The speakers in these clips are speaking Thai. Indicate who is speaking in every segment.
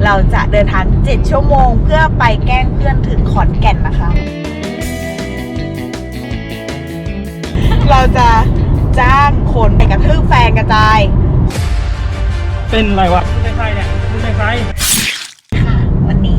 Speaker 1: เราจะเดินทาง7 ชั่วโมงเพื่อไปแกล้งเพื่อนถึงขอนแก่นนะคะ เราจะจ้างคนไปกระทืบแฟนกระจาย
Speaker 2: เป็นอะไรวะคุณเป็นใครเนี่ยคุณเป็นใคร
Speaker 1: วันนี้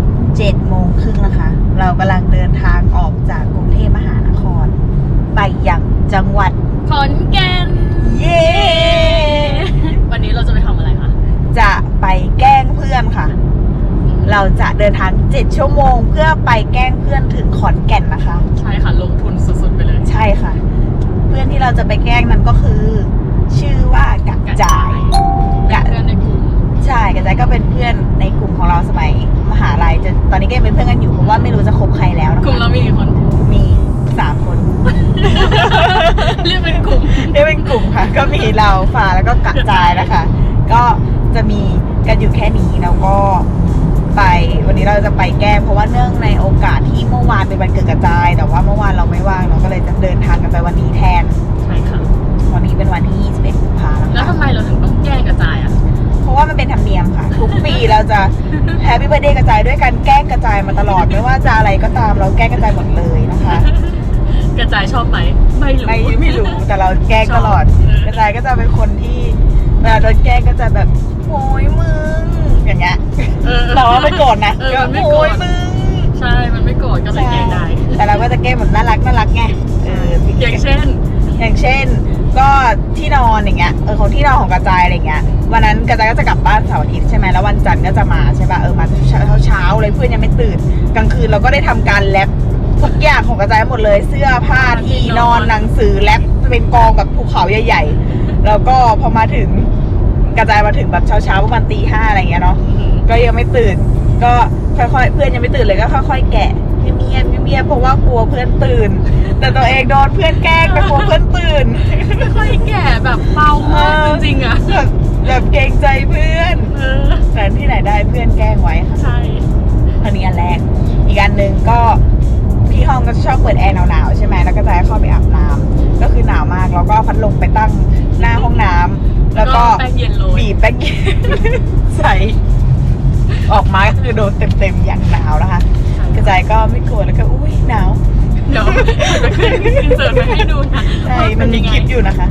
Speaker 1: 7:30นะคะ เรากำลังเดินทางออกจากกรุงเทพมหานคร ไปยังจังหวัด
Speaker 3: ขอนแก่น
Speaker 1: เย้
Speaker 3: วันนี้เราจะไปทำอะไรคะ
Speaker 1: จะไปแกล้งเพื่อนค่ะ เราจะเดินทาง7 ชั่วโมงเพื่อไปแกล้งเพื่อนถึงขอนแก่นนะคะ
Speaker 3: ใช่ค่ะลงทุนสุดๆไปเลย
Speaker 1: ใช่ค่ะ เพื่อนที่เราจะไปแกล้งนั้นก็คือ ชื่อว่ากระจาย
Speaker 3: เป็นเพื่อนในกลุ่ม
Speaker 1: ใช่กระจายก็เป็นเพื่อนในกลุ่มของเราสมัยมหาลัยจนตอนนี้ก็ยังเป็นเพื่อนกันอยู่เพราะว่าไม่รู้จะคบใครแล้วนะ
Speaker 3: กลุ่ม
Speaker 1: คะ
Speaker 3: เรามีกี่คน
Speaker 1: มี3 คน
Speaker 3: เรียกเป็นกลุ่ม
Speaker 1: เรียกเป็นกลุ่มค่ะ ก็มีเราฟ้าแล้วก็กระจายนะคะ ก็จะมีกันอยู่แค่นี้แล้วก็ไปวันนี้เราจะไปแก้เพราะว่าเนื่องในโอกาสที่เมื่อวานเป็นวันเกิดกระจาย แต่ว่าเมื่อวานเราไม่ว่างเราก็เลยจะเดินทางกันไปวันนี้แทน
Speaker 3: ใช่ค่ะ
Speaker 1: วันนี้เป็นวันที่21 กุมภาพันธ์
Speaker 3: แล้วทำไมเราถึงต้องแกล้งกระจายอ่ะ
Speaker 1: เพราะว่ามันเป็นธรรมเนียมค่ะ ทุกปีเราจะแฮปปี้เบิร์ธเดย์กระจายด้วยการแกล้งกระจายมาตลอด ไม่ว่าจะอะไรก็ตามเราแกล้งกระจายหมดเลยนะคะ
Speaker 3: กระจายชอบไหมไม่รู้
Speaker 1: ไม่รู้แต่เราแกล้งตลอด
Speaker 3: ชอบ
Speaker 1: กระจายก็จะเป็นคนที่เวลาโดนแกล้งก็จะแบบโอยมึงอย่างเงี้ย เราไม่โกรธนะ
Speaker 3: มันไม่โกร
Speaker 1: โอย
Speaker 3: ธ
Speaker 1: มึง
Speaker 3: ใช่ มันไม่โกรธก็เลยแกล้งได้
Speaker 1: แต่เราก็จะแกล้งแบบน่ารักไง
Speaker 3: อย่างเช่น
Speaker 1: อย่างเช่น ก็ที่นอนอย่างเงี้ยของที่นอนของกระจายอะไรเงี้ยวันนั้นกระจายก็จะกลับบ้านเสาร์อาทิตย์ใช่ไหมแล้ววันจันทร์ก็จะมาใช่ป่ะมาเช้าเลยเพื่อนยังไม่ตื่นกลางคืนเราก็ได้ทำการแรปทุกอย่างของกระจายหมดเลยเสื้อผ้าที่นอนหนังสือแรปเป็นกองแบบภูเขาใหญ่ๆแล้วก็พอมาถึงกระจายมาถึงแบบเช้าประมาณตี 5อะไรเงี้ยเนาะก็ยังไม่ตื่นก็ค่อยๆเพื่อนยังไม่ตื่นเลยก็ค่อยๆแกะเงียบเพราะว่ากลัวเพื่อนตื่น แต่ตัวเองโดนเพื่อนแกล้งไปกลัวเพื่อนตื่น
Speaker 3: ค่อยแก่แบบเบามากจริงๆอ่ะ
Speaker 1: แบบเกรงใจเพื่อนแต่ที่ไหนได้เพื่อนแกล้งไว้ค่ะ
Speaker 3: ใช่
Speaker 1: อันนี้อันแรกอีกอันหนึ่งก็ที่ห้องก็ชอบเปิดแอร์หนาวๆใช่ไหมแล้วก็จะให้เข้าไปอาบน้ำก็คือหนาวมากแล้วก็พัดลมไปตั้งหน้าห้องน้ำแล้วก็
Speaker 3: แป้งเย็นโรย
Speaker 1: บีบแป้งเย็น ใส่ออกมาก็คือโดนเต็มๆอย่างหนาวนะคะกระจายก็ไม่กลัวแล้วก็อุ้ยหนาว
Speaker 3: เดี๋ยวจะขึ้นอินเสิร์ตมาให้ดูนะ
Speaker 1: ใช่มันมีคลิปอยู่นะคะ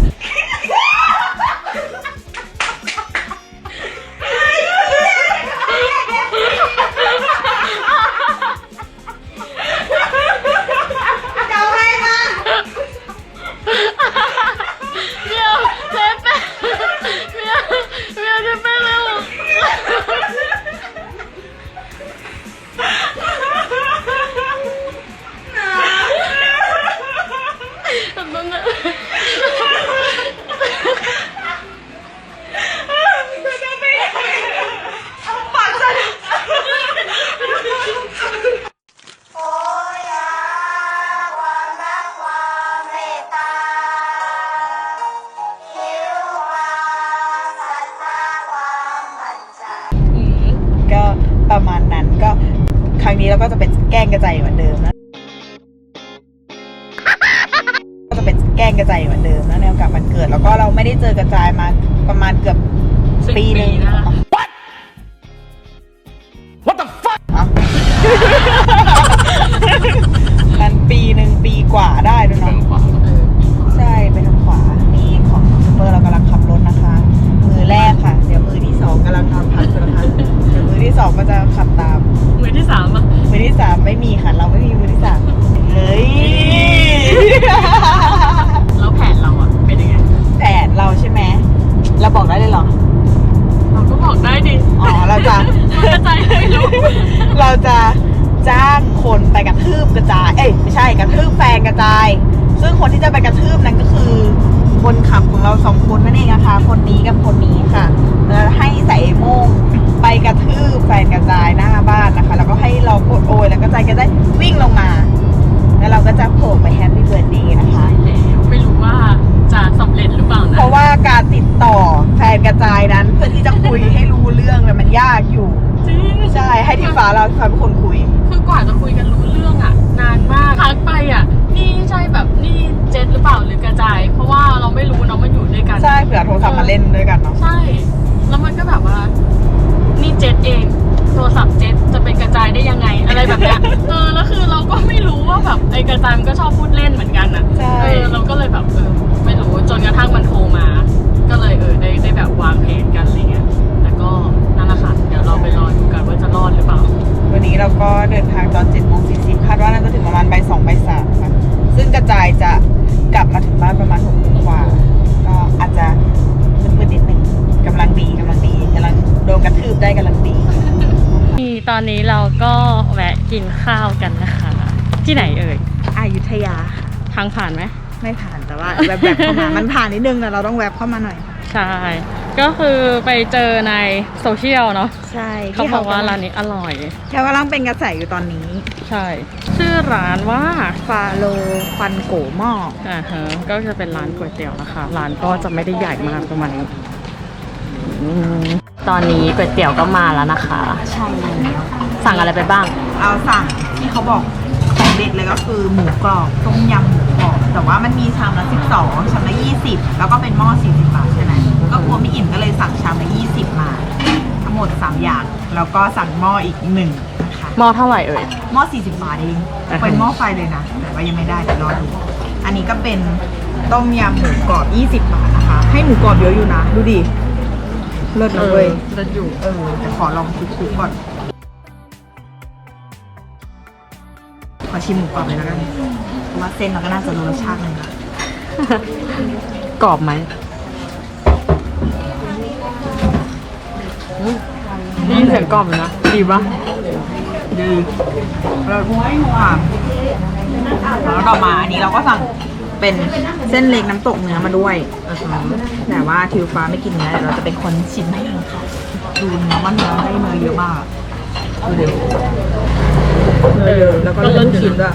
Speaker 1: ก็ประมาณนั้นก็ครั้งนี้เราก็จะเป็นแกล้งกระจายเหมือนเดิมนะก็จะเป็นแกล้งกระจายเหมือนเดิมนะในโอกาสวันเกิดแล้วก็เราไม่ได้เจอกระจายมาประมาณเกือบปีนึง
Speaker 2: What the fuck
Speaker 1: มันปีกว่าได้ด้วยเนาะใช่ไปทางขวามีของซูเปอร์เรากำลังขับรถนะคะ มือแรกค่ะเดี๋ยวมือที่2กำลังทำพักอยู่นะคะเดี๋ยวมือที่2ก็จะขับตาม
Speaker 3: มือที่3อ่ะ
Speaker 1: มือที่3ไม่มีค่ะเราไม่มีมือที่3เฮ้ย
Speaker 3: แล้วแผนเราอ่ะเป็นยังไง
Speaker 1: แผนเราใช่ไหมเราบอกได้เลยเหรอ
Speaker 3: เราก็บอกได้ดิ
Speaker 1: อ๋อเราจะ
Speaker 3: มันกระจายไม่รู้
Speaker 1: เราจะจ้างคนไปกระทืบกระจายไม่ใช่กระทืบแฟนกระจาย ซึ่งคนที่จะไปกระทืบนั้นก็คือคนขับของเรา2 คนนั่นเองนะคะคนนี้กับคนนี้ค่ะแล้วให้ใส่โม่งไปกระทืบแฟนกระจายหน้าบ้านนะคะแล้วก็ให้เรากดโอยแล้วกระจายก็ได้วิ่งลงมา แล้วเราก็จะโผล่ไปแฮปปี้เบิร์ธเดย์นะคะ
Speaker 3: ไม่รู้ว่าจะสำเร็จหรือเปล่านะ
Speaker 1: เพราะว่าการติดต่อแฟนกระจายนั้นเพื่อที่จะคุยให้รู้เรื่องเนี่ยมันยากอยู่
Speaker 3: จริง
Speaker 1: ใช่ให้ทีฟ้าเราเป็นคนคุย
Speaker 3: คือกว่าจะคุยกันรู้เรื่องอ่ะนานมากทักไปอ่ะนี่ใช่แบบนี่เจ็ตหรือเปล่าหรือกระจาย เพราะว่าเราไม่รู้เนาะมันอยู่ด้วยกัน
Speaker 1: ใช่เผื่อโทรศัพท์มาเล่นด้วยกันเนาะ
Speaker 3: ใช่ แล้วมันก็แบบว่านี่เจ็ตเองโทรศัพท์เจ็ตจะเป็นกระจายได้ยังไงอะไรแบบเนี้ยแล้วคือเราก็ไม่รู้ว่าแบบไอ้กระจายมันก็ชอบพูดเล่นเหมือนกันอ่ะเราก็เลยแบบไม่รู้จนกระทั่งมันโทรมา ก็เลยได้แบบวางแผนกันอะไรเงี้ยแต่ก็นั่นแหละค่ะเดี๋ยวเราไปรอดูกันว่าจะรอดหรือเปล่า
Speaker 1: วันนี้เราก็เดินทางตอน7:40คาดว่าน่าจะถึงประมาณบ่าย 2 บ่าย 3ค่ะซึ่งกระจายจะกลับมาถึงบ้านประมาณ6 โมงกว่าก็อาจจะมืดๆนิดนึงกำลังดีกำลังโดนกระทืบได้กำลังดี
Speaker 3: ตอนนี้เราก็แวะกินข้าวกันนะคะที่ไหนเอ่ย
Speaker 1: อยุธยา
Speaker 3: ทางผ่านไหม
Speaker 1: ไม่ผ่านแต่ว่าแวบเข้ามามันผ่านนิดนึงแต่เราต้องแวบเข้ามาหน่อย
Speaker 3: ใช่ก็คือไปเจอในโซเชียลเนาะ
Speaker 1: ใช่
Speaker 3: เขาบอกว่าร้านนี้อร่อย
Speaker 1: แล้วกำลังเป็นกระแสอยู่ตอนนี้
Speaker 3: ใช่ชื่อร้านว่า
Speaker 1: ฟาโลควันโกหม้อ
Speaker 3: ก็จะเป็นร้านก๋วยเตี๋ยวนะคะร้านก็จะไม่ได้ใหญ่มากประมาณนี้ตอนนี้ก๋วยเตี๋ยวก็มาแล้วนะคะ
Speaker 1: ใช่แล้ว
Speaker 3: สั่งอะไรไปบ้าง
Speaker 1: เอาสั่งที่เขาบอกของเด็ดเลยก็คือหมูกรอบต้มยำหมูกรอบแต่ว่ามันมีชามละ12ชามละ20แล้วก็เป็นหม้อ40 บาทใช่ไหมก็กลัวไม่อิ่มก็เลยสั่งชามละ20มาทั้งหมด3อย่างแล้วก็สั่งหม้ออีก1นะคะ
Speaker 3: หม้อเท่าไหร่เอ่ย
Speaker 1: หม้อ40 บาทเองเป็นหม้อไฟเลยนะแต่ว่ายังไม่ได้เดี๋ยวรอดูอันนี้ก็เป็นต้มยำหมูกรอบ20 บาทนะคะให้หมูกรอบเยอะอยู่นะดูดิเลิศนะเว้ย
Speaker 3: เลิศอยู่
Speaker 1: แต่ขอลองคลุกๆก่อนขอชิมหมูกรอบเลยแล้วกันเพราะว่าเส้นเราก็น่าจะรู้รสชาติเลยนะ
Speaker 3: กรอบไหมนี่เสียงกรอบเลยนะดีปะ
Speaker 1: ดีเราพูดความแล้วต่อมาอันนี้เราก็สั่งเป็นเส้นเล็กน้ำตกเนื้อมาด้วยแต่ว่าทิวฟ้าไม่กินเนื้อเราจะเป็นคนชิมให้เองค่ะดูเนื้อว่าเนื้อได้เนื้อเยอะมากดูดิแล้วก็เริ่มชิมด้วย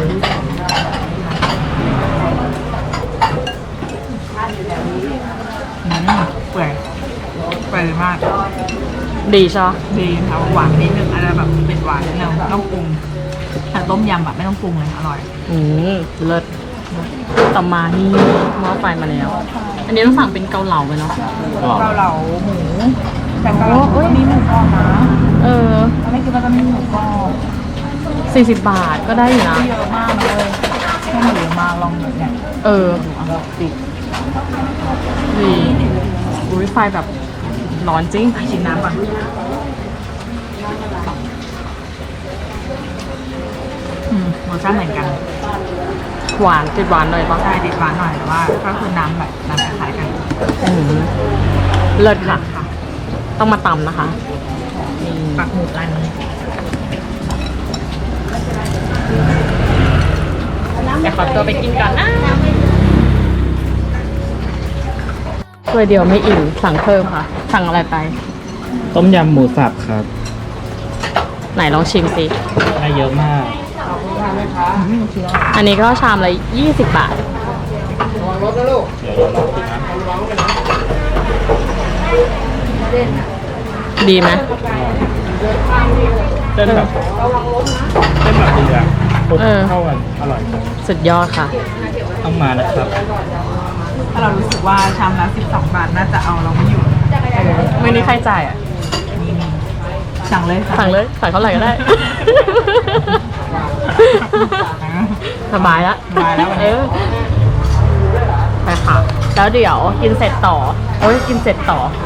Speaker 1: เปื่อยมาก
Speaker 3: ดีใช่
Speaker 1: ดีค่ะหวานนิดนึงอะไรแบบเป็นหวานนิดนึงไม่ต้องปรุงแต่ต้มยำแบบไม่ต้องปรุงเลยอร่อย
Speaker 3: เลิศต่อมานี่หม้อไฟมาแล้วอันนี้ต้องสั่งเป็นเกาเหลาไปเนาะ
Speaker 1: เกาเหลาหมูแต่เกาเหลาก็มีหมูกรอบนะไม่คิดว่าจะมีหมูกรอบ
Speaker 3: 40 บาทก็ได้อยู่นะ
Speaker 1: เยอะมากเลยแค่หมูมาลองหมูเนี่ย
Speaker 3: ดีอุ้ยไฟแบบร้อนจริง
Speaker 1: ชิมน้ำก่อนรสชาติเหมือนกัน
Speaker 3: หวานติดหวานหน่อยป่ะ
Speaker 1: ใช่ติดหวานหน่อยแต่ว่าก็คือน้ำแบบน้ำคล้ายกัน
Speaker 3: เลิศค่ะต้องมาตำนะคะ
Speaker 1: ปักหมุดร้านนี้
Speaker 3: เดี๋ยวขอตัวไปกินก่อนนะถ้วยเดียวไม่อิ่มสั่งเพิ่มค่ะสั่งอะไรไป
Speaker 2: ต้มยำหมูสับครับ
Speaker 3: ไหนลองชิมสิ
Speaker 2: ได้เยอะมาก
Speaker 3: อันนี้ก็ชามละ20 บาทดีไหม
Speaker 2: เส้นแบบดีอะเข้ากันอร่อย
Speaker 3: สุดยอดค่ะ
Speaker 2: ต้องมานะครับ
Speaker 1: ถ้าเรารู้สึกว่าชามละ12 บาทน่าจะเอาเราไม่อยู่
Speaker 3: ไม่นี้ใครจ่ายอ่ะ
Speaker 1: สั่งเลย
Speaker 3: สั่งเท่าไหร่ก็ได้สบายแล้วไปค่ะแล้วเดี๋ยวกินเสร็จต่อกินเสร็จ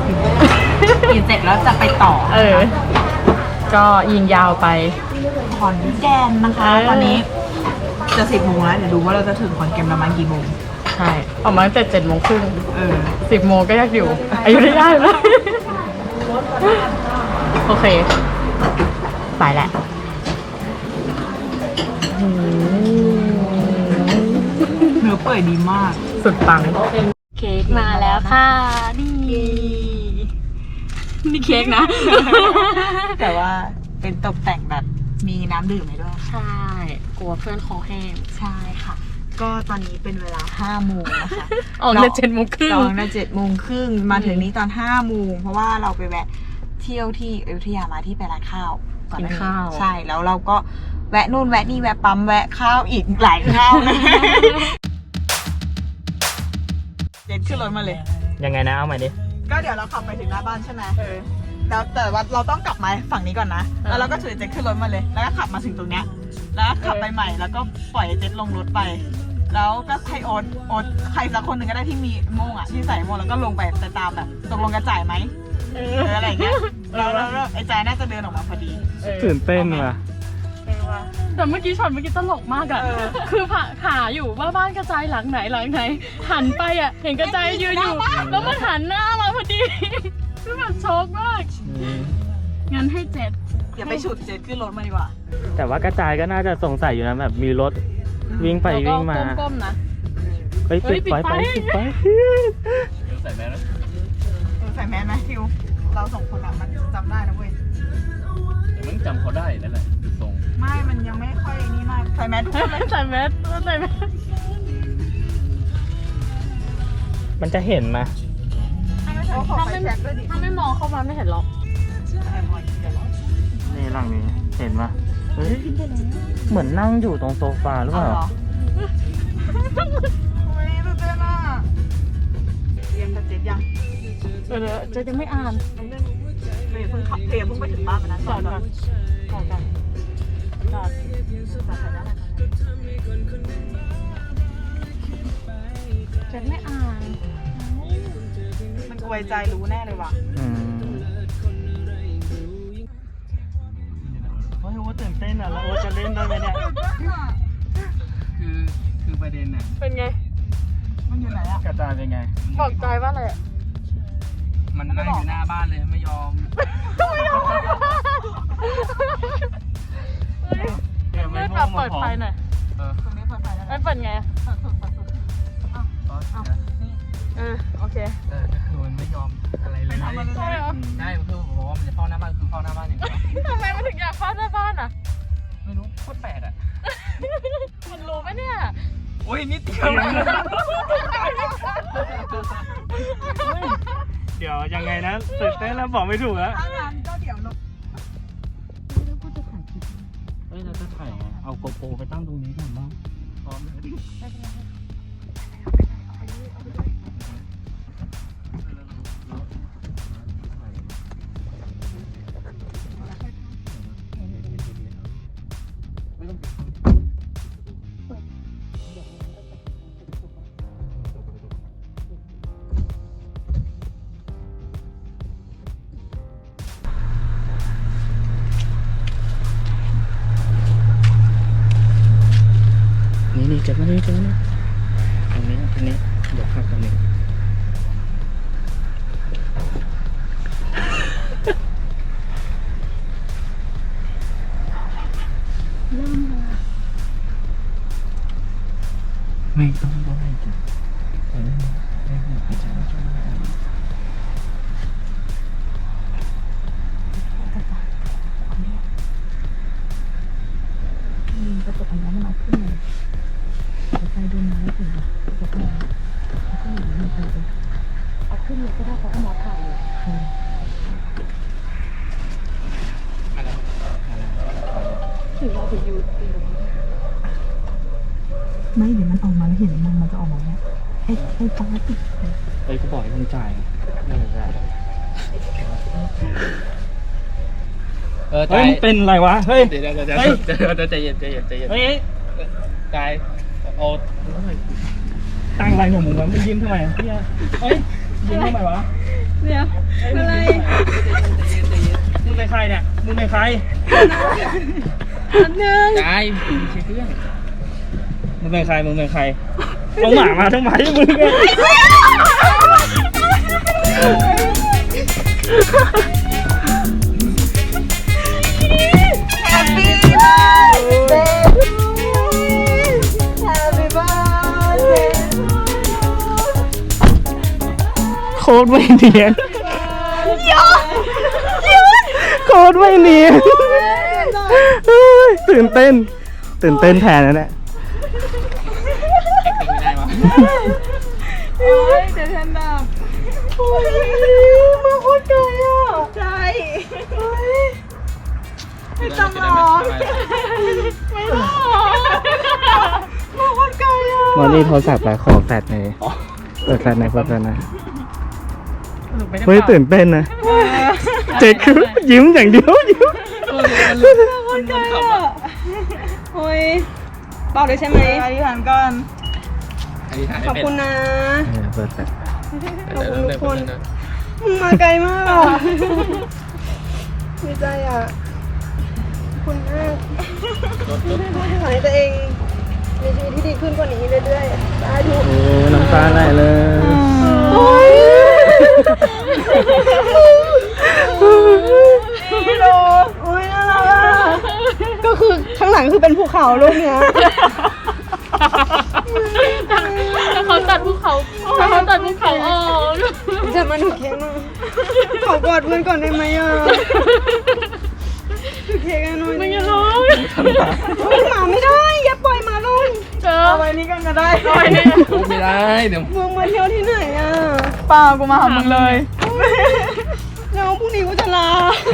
Speaker 1: แล้วจะไปต่อ
Speaker 3: ก็ยิงยาวไป
Speaker 1: ขอนแก่นนะคะตอนนี้จะ10 โมงแล้วเดี๋ยวดูว่าเราจะถึงขอนแก่นประมาณกี่โมง
Speaker 3: ใช่ประมาณแต่7 โมงครึ่ง10 โมงก็ยากอยู่อายุได้ไหมโอเคไปแหละ
Speaker 1: เนื้อเปื่อยดีมาก
Speaker 3: สุดปังเค้กมาแล้วค่ะนี่เค้กนะ
Speaker 1: แต่ว่าเป็นตกแต่งแบบมีน้ำดื่มให้ด้วย
Speaker 3: ใช่กลัวเพื่อนคอแห้ง
Speaker 1: ใช่ค่ะก็ตอนนี้เป็นเวลา 5 โมงนะคะ
Speaker 3: ออกใน7 โมงครึ่ง
Speaker 1: 7 โมงครึ่งมาถึงนี้ตอน 5 โมงเพราะว่าเราไปแวะเที่ยวที่อยุธยามาที่ไปร้านข้าว
Speaker 3: กินข้าว
Speaker 1: ใช่แล้วเราก็แวะนู่นแวะนี่แวะปั๊มแวะข้าวอีกหลายข้าวเลยเด็ดขึ้นรถมาเลย
Speaker 2: ยังไงนะเอาใหม่ดิ
Speaker 1: ก็เดี๋ยวเราขับไปถึงหน้าบ้านใช่ไหมแล้วแต่ว่าเราต้องกลับมาฝั่งนี้ก่อนนะแล้วเราก็ถือเจ็ตขึ้นรถมาเลยแล้วก็ขับมาถึงตรงเนี้ยแล้วขับไปใหม่แล้วก็ปล่อยเจ็ตลงรถไปแล้วก็ให้โอ๊ตใครสักคนหนึ่งก็ได้ที่มีโม่งอ่ะที่ใส่โม่งแล้วก็ลงไปแต่ตามแบบตกลงกระจ่ายไหมอะไรอย่างเงี้ยแล้วไอ้ใจน่าจะเดินออกมาพอดี
Speaker 2: ตื่นเต้นว่ะ
Speaker 3: แต่เมื่อกี้ช็อตเมื่อกี้ตลกมากอ่ะคือหาอยู่ว่าบ้านกระจายหลังไหนหันไปอ่ะเห็นกระจายยืนอยู่แล้วมันหันหน้ามาพอดีคือแบบช็อกมากงั้นให้เจ็ด
Speaker 1: อย่าไปฉุดเจ็ตขึ้นรถมาดีกว่า
Speaker 2: แต่ว่ากระจายก็น่าจะสงสัยอยู่นะแบบมีรถวิ่งไปวิ่งมา
Speaker 3: ก้มๆนะ
Speaker 2: ไปปิดไฟใส่แมสนะ
Speaker 1: ใส่แมสไหมทิวเราสองคนอ่ะมันจำได้นะเว้ย
Speaker 2: แต่มันจำเขาได้นั่นแหละดูทรง
Speaker 1: ไม่มันยังไม่ค่อยนี่มากใส่แมสทุกคนเลย
Speaker 3: ใส่แมส
Speaker 2: มันจะเห็นไหม
Speaker 1: ขอไฟแช็กด้วยดิ
Speaker 3: ถ้าไม่มองเข้ามาไม่เห็นหรอก
Speaker 2: นี่หลังนี้เห็นไหมเฮ้ยเหมือนนั่งอยู่ตรงโซฟาหรือเปล่า
Speaker 1: โอ้ยตื่นเต้นอ่ะเรียนกับเจ็ตยัง
Speaker 3: เดี๋ยวจะยังไม่อ่าน
Speaker 1: เพิ่งขับเพิ่งไปถึงบ้านมานะ
Speaker 3: จอดก่อนจอดจะไม่อ่าน
Speaker 1: มันกวยใจรู้แน่เลยว่ะ
Speaker 2: โอ้ยโอ้ตื่นเต้นอ่ะแล้วโอ้จะเล่นได้ไหมเนี่ยคือประเด็นน่ะ
Speaker 3: เป็นไง
Speaker 1: มันอยู่ไหนอ่ะ
Speaker 2: กระจายเป็นไง
Speaker 3: บอกใจว่าอะไร
Speaker 2: มันนั่งอยู่หน้าบ้านเลยไม่ยอม
Speaker 3: ไม่ปรับเปิดไฟหน่อย
Speaker 1: ตรงนี้เปิดไฟแล้ว
Speaker 3: ไม่เปิดไง
Speaker 1: เปิดสุดนี่
Speaker 3: โอเค
Speaker 2: คือมันไม่ยอมอะไรเลย
Speaker 3: ใช่เหรอ
Speaker 2: ใช่คือผมว่ามันจะเข้าหน้าบ้านคือเข้าหน้าบ้านอย่างเดียว
Speaker 3: ทำไมมันถึงอยากเข้าหน้าบ้านอ่ะ
Speaker 2: ไม่รู้โคตรแปลกอ่ะ
Speaker 3: มันรู้ไหมเนี่ย
Speaker 2: โอ้ยนิดเดียวเดี๋ยวยังไงนะตื่นเต้นแล้วบอกไม่ถูกแล้ว
Speaker 1: ถ้างั้นก็เดี๋ยวลง
Speaker 2: เฮ้ยเราจะถ่ายไงเอาโกโปรไปตั้งตรงนี้ก่อนบ้างพร้อมเลยนี่เจ็บมานี่ตรงนี้เดี๋ยวพักตรงนี้ไม่ต้องไหว้จ้ะ
Speaker 1: กระจกอันนี้มันเอาขึ้นเลยไฟดูน้ำถึงจะขึ้นเอาขึ้นเลยก็ได้เขาก็มอถ่ายเลยถึงเราถึงอยู่ไม่เดี๋ยวมันออกมาแล้วเห็นมันจะออกมาเนี่ยให้ฟ้าติด
Speaker 2: เฮ้ยกูบอกให้มึงจ่ายไม่จ่ายเฮ้ยมึงเป็นอะไรวะเฮ้ยเดี๋ยวใจเย็นเฮ้ยจ่ายโอ้ตั้งอะไรหนูมึงวะมึงยิ้มทำไมเนี่ยเฮ้ยยิ้มทำไมวะ
Speaker 3: เดี๋ยวอะไร
Speaker 2: มึงเป็นใครเนี่ยมึงเป็นใคร
Speaker 3: อันนึง
Speaker 2: จ่ายเช็คเครื่องมึงเป็นใครเอาหมามาทำไมมึงเนี่ย
Speaker 1: Happy birthday Happy birthday
Speaker 2: โคตรไม่เนียนโคตรไม่เนียนตื่นเต้นแทนนั่นแหละ
Speaker 1: โอ้ยเดี๋ยวฉันแบบโอ้ยมาโคตรไกลอ่ะใช่ไม่ต้องร้องไม่ร้องมาโคตรไกลอ่ะ
Speaker 2: มอนี่โทรศัพท์ไปขอแฟลชหน่อยเปิดแฟลชหน่อยเฮ้ยตื่นเต้นนะเจ๊คือยิ้มอย่างเดียวยิ้ม
Speaker 1: คนไกลอ่ะ
Speaker 4: โอ้ยบอกเลยใช่ไหม
Speaker 1: อธิษฐานก่อน
Speaker 4: ขอบคุณนะ
Speaker 2: เปิด
Speaker 4: ขอบคุณทุกคนมึงมาไกลมากอ่ะดีใจอ่ะขอบคุณมากขอให้ตัวเองมีชีวิตที่ดีขึ้นกว่านี้เรื่อยๆสาธุ
Speaker 2: โอ้น้ำตาไหลเลย
Speaker 4: โอ้ย
Speaker 1: นี่ดู
Speaker 4: โอ้ยน่ารักอ่ะก็คือข้างหลังคือเป็นภูเขาลูกเนี้ย
Speaker 3: ถ้าเขาตัดภูเขาถ้าเขาตัดภูเขาออก
Speaker 4: จะมาหนูเค้กหน่อยขอกอดเพื่อนก่อนได้ไหมอ่ะถือเค้กให้หน่อย
Speaker 3: มึงอย่าร้อง
Speaker 4: หมาไม่ได้อย่าปล่อยหมาลง
Speaker 3: เจอ
Speaker 1: เอาไว้นี่กันก็ได้
Speaker 3: ไปเนี่ย
Speaker 2: ไม่ได้เดี๋ยว
Speaker 4: มึงมาเที่ยวที่ไหนอ่ะ
Speaker 1: เปล่ากูมาหามึงเลย
Speaker 4: แล้วพรุ่งนี้กูจะลา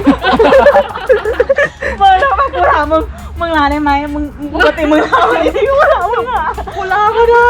Speaker 1: มึงแล้วกูถามมึงลาได้ไหมมึงปกติมึงลาไหมที่กูถามมึงอ่ะกูลาก็ได้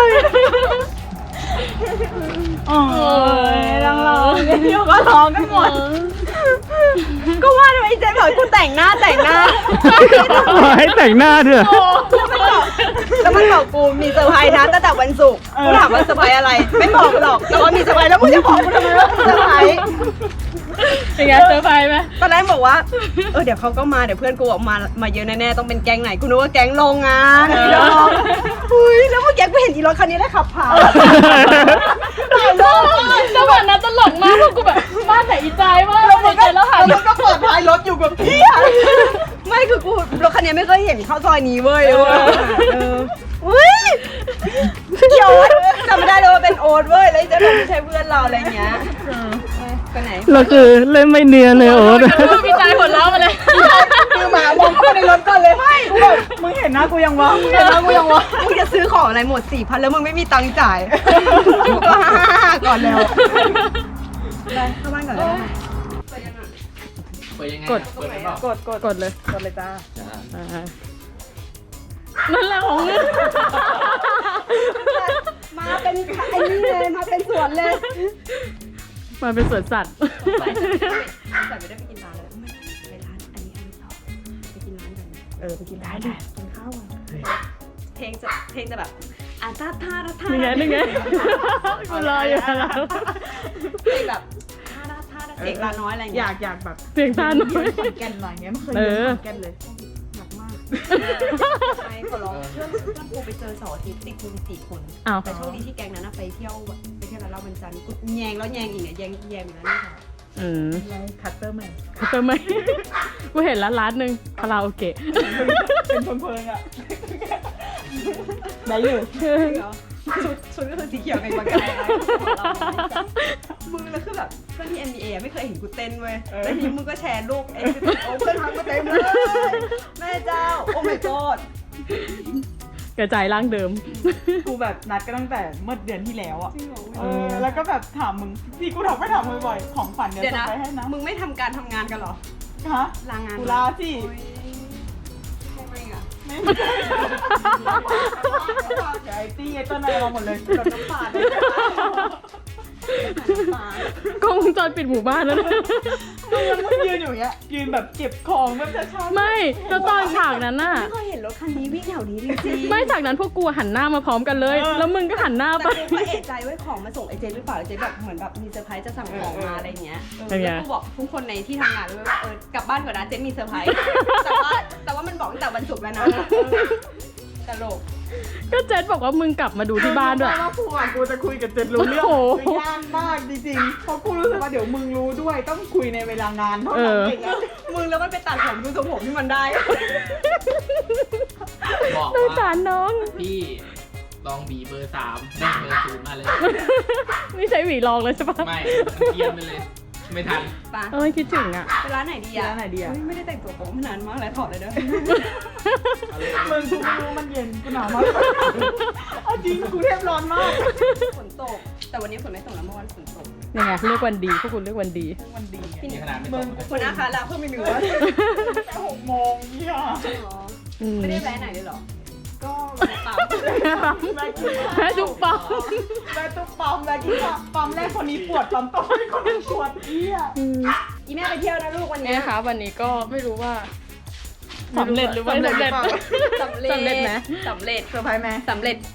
Speaker 1: โอ้ยร้องๆเดี๋ยวก็ร้องกันหมด
Speaker 4: ก็ว่าทำไมเจ๊บอกให้กูแต่งหน้า
Speaker 2: ให้แต่งหน้าด้วย
Speaker 4: แล้วมันบอกกูมีเซอร์ไพรส์นะตั้งแต่วันศุกร์กูถามว่าเซอร์ไพรส์อะไร ไม่บอกกูหรอกแต่ว่ามีเซอร์ไพรส์แล้วมึงจะบอกกูทำไมว่ามีเซอร์ไพรส์
Speaker 3: เป็นไงเซอร์ไพรส์ไหม
Speaker 4: ตอนแรกบอกว่าเดี๋ยวเขาก็มาเดี๋ยวเพื่อนกูออกมาเยอะแน่ๆต้องเป็นแก๊งไหนกูนึกว่าแก๊งโรงงานอีดอกอุ้ยแล้วเมื่อกี้กูเห็นอีรถคันนี้แล้วขับผ่าน
Speaker 3: จังหวะนั้นตลกมากเพราะกูแบบบ้านไหนอีใจมากในใจแล้วหัน
Speaker 1: แล้วก็เปิดท้ายรถอยู่กับพี่
Speaker 4: ไม่คือกูรถคันนี้ไม่เคยเห็นเข้าซอยนี้เว้ยอุ้ยเกี่ยวจำไม่ได้เลยว่าเป็นโอ๊ตเว้ยแล้วจะไม่ใช่เพื่อนเราอะไรเงี้ยไปไหน
Speaker 2: แล้วคือเล่นไม่เนียนเลยโอ๊ต
Speaker 3: พี่ใจหัวเราะมาเลย
Speaker 1: คือหมามองเข้าในรถก่อนเลยไม่กูแบบมึงเห็นหน้ากูยังวะมึงเห็นหน้ากูยังวะ
Speaker 4: มึงจะซื้อของอะไรหมด 4,000 แล้วมึงไม่มีตังค์จ่ายกูก็ฮ่าก่อนแล้วไปเข้าบ้านก่อนเลย
Speaker 3: กด
Speaker 1: กดเลยจ้า
Speaker 3: นั่นแหละของเงิน
Speaker 4: มาเป็นไอ้นี่เลยมาเป็นสวนเลย
Speaker 3: มาเป็นสวนสัตว์
Speaker 4: แต่ไม่ได้ไปกินร้านแล้วไปร้านอันนี้ต่อไปกินร้านกัน
Speaker 1: ไปกินได้ดิกินข้าวอ่ะ
Speaker 4: เพลงจะแบบอ่ะท่า
Speaker 3: นี่ไงนี่ไงกูรออยู่แล้ว
Speaker 4: เพลงแบบท่าเด็กลาน้อยอะไรอย่าง
Speaker 1: อ
Speaker 4: เงี้
Speaker 1: ยากแบบ
Speaker 3: เสียงตาหน่อย
Speaker 1: ขอนแก่นหน่อยเงี้ยไม่เคยเรียนขอนแก่นเลย
Speaker 4: หนักมากใช่ขอร้องเพื่อนกูไปเจอเสาร์อาทิตย์ติดกู4 คน
Speaker 3: อ้าว
Speaker 4: แต่โชคดีที่แก๊งนั้นไปเที่ยวร้านเหล้าวันจันทร์กูแยงแล้วแยงอีกเนี่ยแยงอยู่แล้วนี่ค่ะ
Speaker 1: คัตเตอร์แมน
Speaker 3: เขาเติมไหมกูเห็นร้านหนึ่งคาราโอเกะ
Speaker 1: เป็นเพลิงๆอ่ะได้อยู่
Speaker 4: ชุดก็คือสีเขียวไงบางกายมึงแล้วคือแบบเพื่อนที่ NBA ไม่เคยเห็นกูเต้นเว้ยแล้วทีมึงก็แชร์รูปโอ้เพื่อนทักมาเต็มเลยแม่เจ้าโอ้ my god
Speaker 3: กระจายร่างเดิม
Speaker 1: กูแบบนัดกันตั้งแต่เมื่อเดือนที่แล้วอ่ะแล้วก็แบบถามมึงที่กูถามมึงบ่อยของฝันเดี๋ยว
Speaker 4: เดี๋ยว
Speaker 1: ส่ง
Speaker 4: นะ
Speaker 1: ไปให้นะ
Speaker 4: มึงไม่ทำการทำงานกันเหรอ
Speaker 1: ฮะ
Speaker 4: ลางาน
Speaker 1: กูลาสิ
Speaker 4: ทำไมอ่ะ
Speaker 1: ไม่เดี๋ยวไอ้ตี้ไอ้ต้นอะไรมาหมดเลยรถน้ำตาล
Speaker 3: กล้องวงจรปิดหมู่บ้านแล้วนะ
Speaker 1: มึงยืนอยู่อย่างเงี้ยยืนแบบเก็บของแบบช้าๆ
Speaker 3: ไม่แล้วตอนฉากนั้นน่ะ
Speaker 4: ไม่เคยเห็นรถคันนี้วิ่งแถวนี้จริงๆ
Speaker 3: ไม่ฉากนั้นพวกกูหันหน้ามาพร้อมกันเลย แล้วมึงก็หันหน้าไป
Speaker 4: แต่กูก็เอะใจไว้ของมาส่งไอเจนหรือเปล่าไอเจนแบบเหมือนแบบมีเซอร์ไพรส์จะสั่งของมาอะไรเงี้ย
Speaker 3: เป็นไง
Speaker 4: แล้วกูบอกทุกคนในที่ทำงานเลยว่ากลับบ้านก่อนนะเจนมีเซอร์ไพรส์แต่ว่ามันบอกตั้งแต่วันศุกร์แล้วนะตลก
Speaker 3: ก็เจนบอกว่ามึงกลับมาดูที่บ้านด้วย
Speaker 1: ว่ากูอ่ะกูจะคุยกับเจนรู้เรื่อง
Speaker 3: โอ้โห
Speaker 1: คือยากมากจริงๆเพราะกูรู้สึกว่าเดี๋ยวมึงรู้ด้วยต้องคุยในเวลางานเท่านั้นเองอะ
Speaker 4: มึงแล้วมันไปตัดผมดูทรงผมที่มันได้
Speaker 5: บอก
Speaker 3: สงสา
Speaker 5: ว่าร
Speaker 3: น้อง
Speaker 5: พี่ลองบีเบอร์ 3ได้เบอร์ 0 มาเลย
Speaker 3: ไม่ใช่หวีรองเลยใช่ปะ
Speaker 5: ไม่เทียมไปเลย ไม่ทัน
Speaker 4: ปะ
Speaker 3: เอ้ยคิดถึงอ่ะ
Speaker 4: ไปร้านไหนดีอะ
Speaker 1: ร้านไหนดีอะ
Speaker 4: ไม่ได้แต่งตัวโป๊มานานมากแล้วถอดเลยเด้อ
Speaker 1: มึงกูไม่รู้มันเย็นกูหนาวมากเอาจริงกูเทพร้อนมาก
Speaker 4: ฝนตก แต่วันนี้ฝนไม่ตกแล้วเมื่อวานฝนตก
Speaker 3: ยังไงเลือกวันดีพวกคุณเลือกวันดี
Speaker 1: มันดีอะ
Speaker 5: นี่ขนาดไม่ต
Speaker 1: มึ
Speaker 5: ก
Speaker 1: ง
Speaker 4: คนอาคาลาเพิ่มอีกหนึ่งวัน
Speaker 1: แค่6 โมงเนี่ย
Speaker 4: ไม่ได้แวะไหนเลยเหรอ
Speaker 1: ก็
Speaker 4: เปล่า
Speaker 3: แม่จุ๊บปั๊ม
Speaker 1: แม่ตุ๊กปั๊มแม่กินปั๊มแรกคนนี้ปวดปั๊มต่อไปคนนึงปวดเอี้ย
Speaker 4: อีแม่ไปเที่ยวนะลูกวันนี้
Speaker 3: เนี่ยค่ะวันนี้ก็ไม่รู้ว่าสำเร็จหรือไม่สำเร็จ
Speaker 4: สำเร็จ
Speaker 3: สำเร็จไหม
Speaker 4: สำเร็จ
Speaker 1: เซอร์ไพรส์ไหม
Speaker 4: สำเร็จ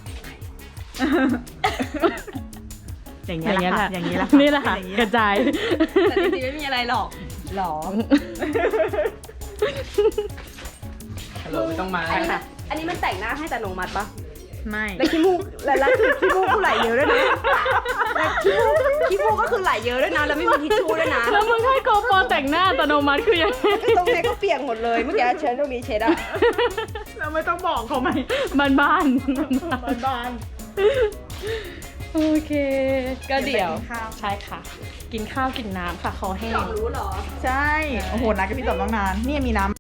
Speaker 1: อย่างเงี้ยแหละค่ะอย่างนี้แหละ
Speaker 3: นี่แหละค่ะกระจาย
Speaker 4: แต่จริงๆไม่มีอะไรหรอกหรอ
Speaker 5: ฮัลโหลไม่ต้องมา
Speaker 4: อันนี้มันแต่งหน้าให้แต่นงมัดปะ
Speaker 1: ไม่
Speaker 4: แล้วขี้มูกแล้วคือขี้มูกกูไหลเยอะด้วยนะแล้วขี้มูกก็คือไหลเยอะด้วยนะแล้วไม่มีทิชชู่ด้วยนะ
Speaker 3: แล้วมึงให้โกโปรแต่งหน้าอัตโนมัติคือยังไง
Speaker 4: ก็ตรงนี้ก็เปียกหมดเลยเมื่อกี้เช็ดตรงนี้เช็ดอะ
Speaker 1: เราไม่ต้องบอกเขาไหม
Speaker 3: บ้าน
Speaker 1: บ้าน
Speaker 3: โอเค ก็เดี๋ยว
Speaker 1: เดี๋ยวไปกินข้าว
Speaker 3: ใช่ค่ะ กินข้าวกินน้ำค่ะคอแห้ง
Speaker 4: รู้เหรอ
Speaker 1: ใช่ โอ้โหนัดกับพี่ต๋อมตั้งนาน นี่มีน้ำ